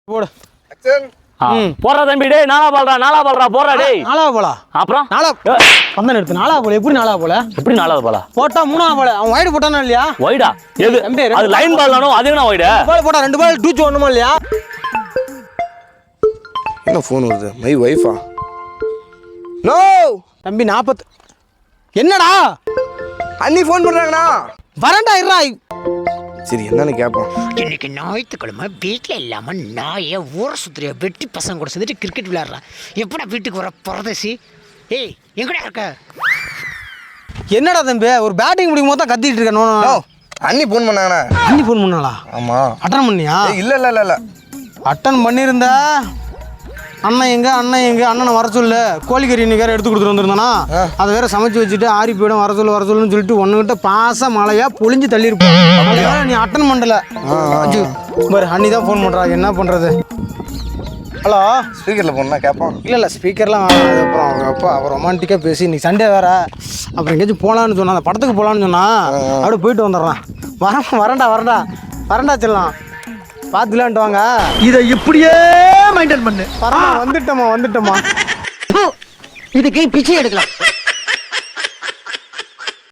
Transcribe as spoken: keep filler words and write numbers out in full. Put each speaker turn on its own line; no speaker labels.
போடு
போறா தம்பி டேய் நாளா பால்றா நாளா பால்றா போறா டேய்
நாளா போலா
அப்புறம்
நாளா வந்தன எடுத்து நாளா போல எப்படி நாளா போல
எப்படி நாலாவது பாலா
போட்டா மூணாவது போல அவன் வைடு போட்டானா இல்லையா
வைடா எது அது லைன் பால் தானோ அது என்ன வைடு
பால் போட்டா ரெண்டு பால் டூச் ஒண்ணுமா இல்லையா
என்ன ஃபோன் வருது மை வைஃபா நோ
தம்பி நாற்பத்து என்னடா
அண்ணி ஃபோன் பண்றாங்கண்ணா
வரண்டா இருடா
சரி என்னன்னு கேட்போம்
இன்னைக்கு ஞாயிற்றுக்கிழமை வீட்டில் இல்லாமல் நாயை ஊரை சுற்றுறிய வெட்டி பசங்க கூட சேர்ந்துட்டு கிரிக்கெட் விளையாடுறான் எப்படா வீட்டுக்கு வர பரதேசி ஏய் எங்கடா இருக்க
என்னடா தம்பி ஒரு பேட்டிங் முடிக்கும் போது தான் கத்திட்டு இருக்க நோ
அண்ணி ஃபோன் பண்ணாங்கண்ணா
அண்ணி ஃபோன் பண்ணாளா
ஆமா
அட்டன் பண்ணியா
இல்ல இல்ல இல்ல இல்ல
அட்டன் பண்ணியிருந்தா அண்ணன் எங்க அண்ணன் எங்க அண்ணனை வர சொல்லு கோழிக்கறி இன்னைக்கு வேற எடுத்து கொடுத்துட்டு வந்திருந்தானா அதை வேற சமைச்சு வச்சுட்டு ஆரி போயிடும் வர சொல்லு வர சொல்லுன்னு சொல்லிட்டு ஒன்னுகிட்ட பாச மழையா பொழிஞ்சு தள்ளி இருப்போம் நீ அட்டன் பண்ணல பாரு அண்ணி தான் ஃபோன் பண்றா என்ன பண்றது ஹலோ
ஸ்பீக்கர்ல போனா கேட்போம்
இல்லை இல்லை ஸ்பீக்கர்லாம் வேணாம் அப்புறம் அவங்க அப்பா அவர் ரொமான்டிக்காக பேசி இன்னைக்கு சண்டே வேற அப்புறம் எங்கேயாச்சும் போகலான்னு சொன்னா அந்த படத்துக்கு போகலான்னு சொன்னா அப்படியே போயிட்டு வந்துடுறான் வர வரண்டா வரண்டா வரண்டா செல்லாம் பார்த்துலான்ட்டு வாங்க
இதை இப்படியே மெயின்டைன் பண்ணு
பரவா வந்துட்டோமா வந்துட்டோமா
இதுக்கு பிச்சை எடுக்கலாம்